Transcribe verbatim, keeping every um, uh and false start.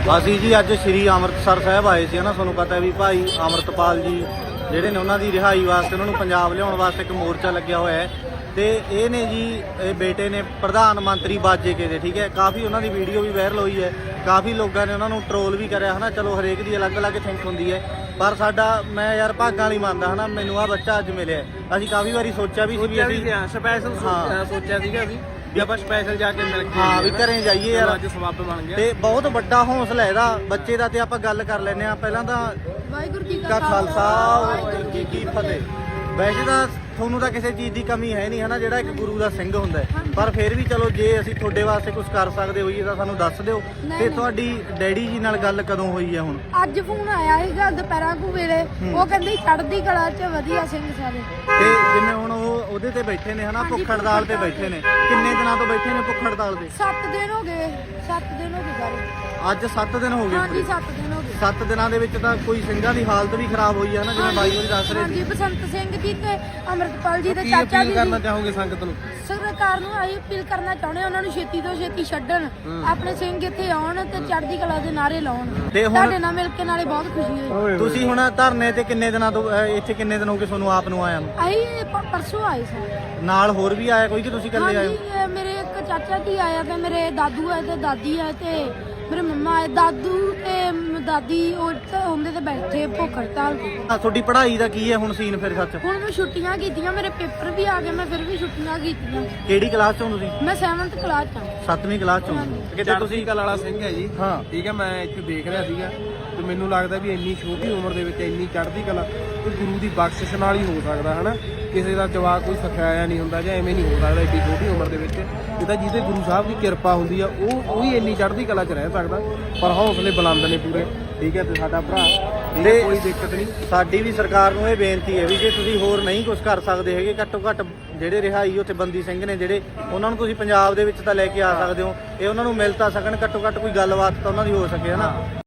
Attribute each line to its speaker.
Speaker 1: ਅਸੀਂ ਜੀ ਅੱਜ ਸ਼੍ਰੀ ਅੰਮ੍ਰਿਤਸਰ ਸਾਹਿਬ ਆਏ ਸੀ ਨਾ। ਤੁਹਾਨੂੰ ਪਤਾ ਵੀ ਭਾਈ ਅਮਰਤਪਾਲ ਜੀ ਜਿਹੜੇ ਨੇ ਉਹਨਾਂ ਦੀ ਰਿਹਾਈ ਵਾਸਤੇ ਉਹਨਾਂ ਨੂੰ ਪੰਜਾਬ ਲਿਆਉਣ ਵਾਸਤੇ ਇੱਕ ਮੋਰਚਾ ਲੱਗਿਆ ਹੋਇਆ ਹੈ। ਤੇ ਇਹ ਨੇ ਜੀ ਇਹ ਬੇਟੇ ਨੇ ਪ੍ਰਧਾਨ ਮੰਤਰੀ ਬਾਜੇ ਕੇ ਦੇ, ਠੀਕ ਹੈ। ਕਾਫੀ ਉਹਨਾਂ ਦੀ ਵੀਡੀਓ ਵੀ ਵਾਇਰਲ ਹੋਈ ਹੈ, ਕਾਫੀ ਲੋਕਾਂ ਨੇ ਉਹਨਾਂ ਨੂੰ ਟਰੋਲ ਵੀ ਕਰਿਆ ਹਨਾ। ਚਲੋ ਹਰੇਕ ਦੀ ਅਲੱਗ-ਅਲੱਗ ਥਿੰਕ ਹੁੰਦੀ ਹੈ, ਪਰ ਸਾਡਾ ਮੈਂ ਯਾਰ ਭਾਗਾਂ ਵਾਲੀ ਮੰਨਦਾ ਹਨਾ। ਮੈਨੂੰ ਆ ਬੱਚਾ ਅੱਜ ਮਿਲਿਆ। ਅਸੀਂ ਕਾਫੀ ਵਾਰੀ ਸੋਚਿਆ ਵੀ ਸੀ ਵੀ ਅਸੀਂ
Speaker 2: ਸਪੈਸ਼ਲ ਸੋਚਿਆ ਸੀਗਾ ਅਸੀਂ ਵੀ ਆਪਾਂ ਸਪੈਸ਼ਲ ਜਾ ਕੇ ਮਿਲ ਕੇ
Speaker 1: ਹਾਂ ਵੀ ਘਰੇ ਜਾਈਏ ਯਾਰ।
Speaker 2: ਅੱਜ ਸਬੱਬ ਬਣ ਗਿਆ
Speaker 1: ਤੇ ਬਹੁਤ ਵੱਡਾ ਹੌਸਲਾ ਇਹਦਾ ਬੱਚੇ ਦਾ। ਤੇ ਆਪਾਂ ਗੱਲ ਕਰ ਲੈਂਦੇ ਆ ਪਹਿਲਾਂ ਤਾਂ
Speaker 3: ਵਾਹਿਗੁਰੂ ਜੀ
Speaker 1: ਕਾ ਖਾਲਸਾ ਵਾਹਿਗੁਰੂ ਜੀ ਕੀ ਫਤਿਹ। ਵੈਸੇ ਤਾਂ ਤੁਹਾਨੂੰ ਤਾਂ ਕਿਸੇ ਚੀਜ਼ ਦੀ ਕਮੀ ਹੈ ਨਹੀਂ ਹਨਾ, ਜਿਹੜਾ ਇੱਕ ਗੁਰੂ ਦਾ ਸਿੰਘ ਹੁੰਦਾ ਹੈ। ਪਰ ਫਿਰ ਵੀ ਚਲੋ ਜੇ ਅਸੀਂ ਤੁਹਾਡੇ ਵਾਸਤੇ ਕੁਝ ਕਰ ਸਕਦੇ ਹੋਈਏ ਤਾਂ ਸਾਨੂੰ ਦੱਸ ਦਿਓ। ਤੇ ਤੁਹਾਡੀ ਡੈਡੀ ਜੀ ਨਾਲ ਗੱਲ ਕਦੋਂ ਹੋਈ ਹੈ? ਹੁਣ
Speaker 3: ਅੱਜ ਫੋਨ ਆਇਆ ਸੀਗਾ ਦੁਪਹਿਰਾਂ ਕੁ ਵੇਲੇ। ਉਹ ਕਹਿੰਦੇ ਚੜ੍ਹਦੀ ਕਲਾ 'ਚ ਵਧੀਆ ਸਿੰਘ ਸਾਰੇ।
Speaker 1: ਤੇ ਜਿਵੇਂ ਹੁਣ ਉਹ ਉਹਦੇ ਤੇ ਬੈਠੇ ਨੇ ਹਨਾ, ਭੁੱਖ ਹੜਤਾਲ ਤੇ ਬੈਠੇ ਨੇ। ਕਿੰਨੇ ਦਿਨਾਂ ਤੋਂ ਬੈਠੇ ਨੇ ਭੁੱਖ ਹੜਤਾਲ ਤੇ?
Speaker 3: ਸੱਤ ਦਿਨ ਹੋ ਗਏ। ਸੱਤ ਦਿਨ ਹੋ ਗਏ ਸਾਰੇ।
Speaker 1: ਅੱਜ ਸੱਤ ਦਿਨ ਹੋ ਗਏ।
Speaker 3: ਹਾਂਜੀ ਸੱਤ ਦਿਨ ਹੋ ਗਏ।
Speaker 1: ਸੱਤ ਦਿਨਾਂ ਦੇ ਵਿੱਚ ਤਾਂ ਕੋਈ ਸਿੰਘਾਂ ਦੀ ਹਾਲਤ ਵੀ ਖਰਾਬ ਹੋਈ ਹੈ ਨਾ, ਜਿਵੇਂ ਬਾਈ ਹੋਰੀ ਦੱਸ ਰਹੇ
Speaker 3: ਹਾਂਜੀ
Speaker 1: ਸੀ।
Speaker 3: ਬਸੰਤ ਸਿੰਘ ਜੀ ਤੇ ਅਮਰਤਪਾਲ ਜੀ ਦੇ
Speaker 2: ਕੀ
Speaker 3: ਚਾਚਾ
Speaker 2: ਅਪੀਲ
Speaker 3: ਜੀ
Speaker 2: ਕਰਨਾ ਚਾਹੋਗੇ ਸੰਗਤ ਨੂੰ?
Speaker 3: ਸਰਕਾਰ ਨੂੰ ਅਸੀਂ ਅਪੀਲ ਕਰਨਾ ਚਾਹੁੰਦੇ ਉਹਨਾਂ ਨੂੰ ਛੇਤੀ ਤੋਂ ਛੇਤੀ ਛੱਡਣ, ਆਪਣੇ ਸਿੰਘ ਇੱਥੇ ਆਉਣ ਤੇ ਚੜ੍ਹਦੀ ਕਲਾ ਦੇ ਨਾਅਰੇ ਲਾਉਣ।
Speaker 1: ਤੇ ਹੁਣ
Speaker 3: ਤੁਹਾਡੇ ਨਾਲ ਮਿਲ ਕੇ ਨਾਲੇ ਬਹੁਤ ਖੁਸ਼ੀ ਹੋਈ।
Speaker 1: ਤੁਸੀਂ ਹੁਣ ਧਰਨੇ ਤੇ ਕਿੰਨੇ ਦਿਨਾਂ ਤੋਂ ਅਹ, ਇੱਥੇ ਕਿੰਨੇ ਦਿਨ ਹੋ ਗਏ ਤੁਹਾਨੂੰ ਆਪ ਨੂੰ ਆਇਆ ਨੂੰ?
Speaker 3: ਅਸੀਂ ਪ- ਪਰਸੋਂ ਆਏ ਸੀ।
Speaker 1: ਨਾਲ ਹੋਰ ਵੀ ਆਇਆ ਕੋਈ ਕਿ ਤੁਸੀਂ ਇਕੱਲੇ ਆਏ ਹੋ?
Speaker 3: ਹਾਂਜੀ ਇਹ ਮੇਰੇ ਇੱਕ ਚਾਚਾ ਜੀ ਆਇਆ ਤੇ ਮੇਰੇ ਦਾਦੂ ਆਏ ਤੇ ਦਾਦੀ ਆਏ ਤੇ ਮੇਰੇ ਮੰਮਾ ਆਏ। ਦਾਦੂ ਤੇ ਮ- ਦਾਦੀ ਉਹ ਤੇ ਉਹਦੇ ਤੇ ਬੈਠੇ ਭੁੱਖ ਹੜਤਾਲ ਤੇ।
Speaker 1: ਆ ਤੁਹਾਡੀ ਪੜ੍ਹਾਈ ਦਾ ਕੀ ਹੈ ਹੁਣ ਸੀਨ ਫਿਰ ਸੱਚ?
Speaker 3: ਹੁਣ ਮੈਂ ਛੁੱਟੀਆਂ ਕੀਤੀਆਂ, ਮੇਰੇ ਪੇਪਰ ਵੀ ਆ ਗਏ, ਮੈਂ ਫਿਰ ਵੀ ਛੁੱਟੀਆਂ ਕੀਤੀਆਂ।
Speaker 1: ਕਿਹੜੀ ਕਲਾਸ ਚੋਂ ਤੁਸੀਂ?
Speaker 3: ਮੈਂ ਸੈਵਨਥ ਕਲਾਸ ਚ ਹਾਂ।
Speaker 1: ਸੱਤਵੀਂ ਕਲਾਸ ਚੋਂ।
Speaker 2: ਕਿਤੇ ਤੁਸੀਂ ਕਲ ਵਾਲਾ ਸਿੰਘ ਹੈ ਜੀ।
Speaker 1: ਹਾਂ
Speaker 2: ਠੀਕ ਹੈ, ਮੈਂ ਇੱਥੇ ਦੇਖ ਰਿਹਾ ਸੀਗਾ ਤੇ ਮੈਨੂੰ ਲੱਗਦਾ ਵੀ ਇੰਨੀ ਛੋਟੀ ਉਮਰ ਦੇ ਵਿੱਚ ਇੰਨੀ ਚੜ੍ਹਦੀ ਕਲਾ ਤੇ ਗੁਰੂ ਦੀ ਬਖਸ਼ਿਸ਼ ਨਾਲ ਹੀ ਹੋ ਸਕਦਾ ਹਨਾ। ਕਿਸੇ ਦਾ ਜਵਾਬ ਕੋਈ ਸਿਖਾਇਆ ਨਹੀਂ ਹੁੰਦਾ ਜਾਂ ਐਵੇਂ ਨਹੀਂ ਹੋ ਸਕਦਾ ਇੰਨੀ ਛੋਟੀ ਉਮਰ ਦੇ ਵਿੱਚ। ਇਹ ਤਾਂ ਜਿਹਦੇ ਗੁਰੂ ਸਾਹਿਬ ਦੀ ਕਿਰਪਾ ਹੁੰਦੀ ਆ ਉਹ ਉਹ ਹੀ ਇੰਨੀ ਚੜ੍ਹਦੀ ਕਲਾ 'ਚ ਰਹਿ ਸਕਦਾ। ਪਰ ਹੌਸਲੇ ਬੁਲੰਦ ਨੇ ਪੂਰੇ, ਠੀਕ ਹੈ। ਤੇ ਸਾਡਾ ਭਰਾ ਠੀਕ ਹੈ, ਕੋਈ ਦਿੱਕਤ ਨਹੀਂ।
Speaker 1: ਸਾਡੀ ਵੀ ਸਰਕਾਰ ਨੂੰ ਇਹ ਬੇਨਤੀ ਹੈ ਵੀ ਜੇ ਤੁਸੀਂ ਹੋਰ ਨਹੀਂ ਕੁਝ ਕਰ ਸਕਦੇ ਹੈਗੇ, ਘੱਟੋ ਘੱਟ ਜਿਹੜੇ ਰਿਹਾਈ ਉੱਥੇ ਬੰਦੀ ਸਿੰਘ ਨੇ ਜਿਹੜੇ, ਉਹਨਾਂ ਨੂੰ ਤੁਸੀਂ ਪੰਜਾਬ ਦੇ ਵਿੱਚ ਤਾਂ ਲੈ ਕੇ ਆ ਸਕਦੇ ਹੋ। ਇਹ ਉਹਨਾਂ ਨੂੰ ਮਿਲ ਤਾਂ ਸਕਣ, ਘੱਟੋ ਘੱਟ ਕੋਈ ਗੱਲਬਾਤ ਤਾਂ ਉਹਨਾਂ ਦੀ ਹੋ ਸਕੇ ਹਨਾ।